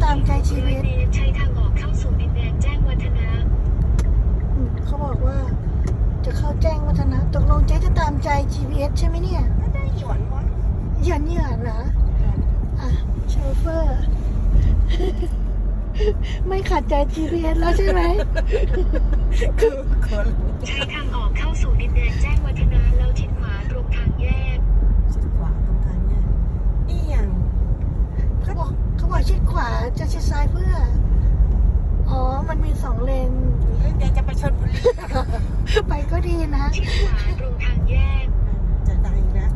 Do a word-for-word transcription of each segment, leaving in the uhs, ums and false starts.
ตามใจ จี พี เอสใช้ทางออกเข้าสู่ดินแดนแจ้งวัฒนะอืมเขาบอกว่าจะเข้าแจ้งวัฒนะตกลงเจ๊จะตามใจ จี พี เอส ใช่ไหมเนี่ยก็ได้หยวนวะหยันหยันเหรออ่ะโชเฟอร์ ไม่ขัดใจ จี พี เอส แล้วใช่ไหมคือคนใช้ทางออกเข้าสู่ดินแดนแจ้งวัฒนะแล้วชิดขวาตรงทางแยกชิดขวาตรงทางเนี่ยอีหยังเขาบอกเขาบอกชิดขวาจะชิดซ้ายเพื่อ อ๋อ มันมีสองเลนหรือแกจะไปชนบุรีไปก็ดีนะชิดขวาตรงทางแยกจะได้อีกแล้ว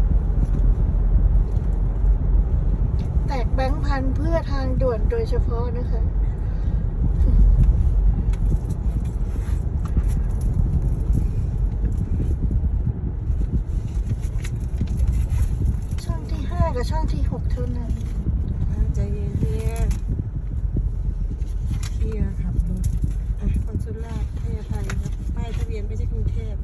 แตกแบงค์พันเพื่อทางด่วนโดยเฉพาะนะคะ ช่องที่ห้ากับช่องที่หกเท่านั้นใจเย็นเฮียเฮียขับรถอ่ะคอนสุล่าให้อภัยครับป้ายทะเบียนไม่ใช่กรุงเทพ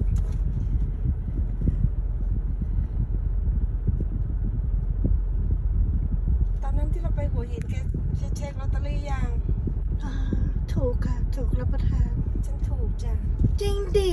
ตอนนั้นที่เราไปหัวหินแกเช็คลอตเตอรี่ยังอ่าถูกค่ะ ถูกรับประทานฉันถูกจ้ะจริงดิ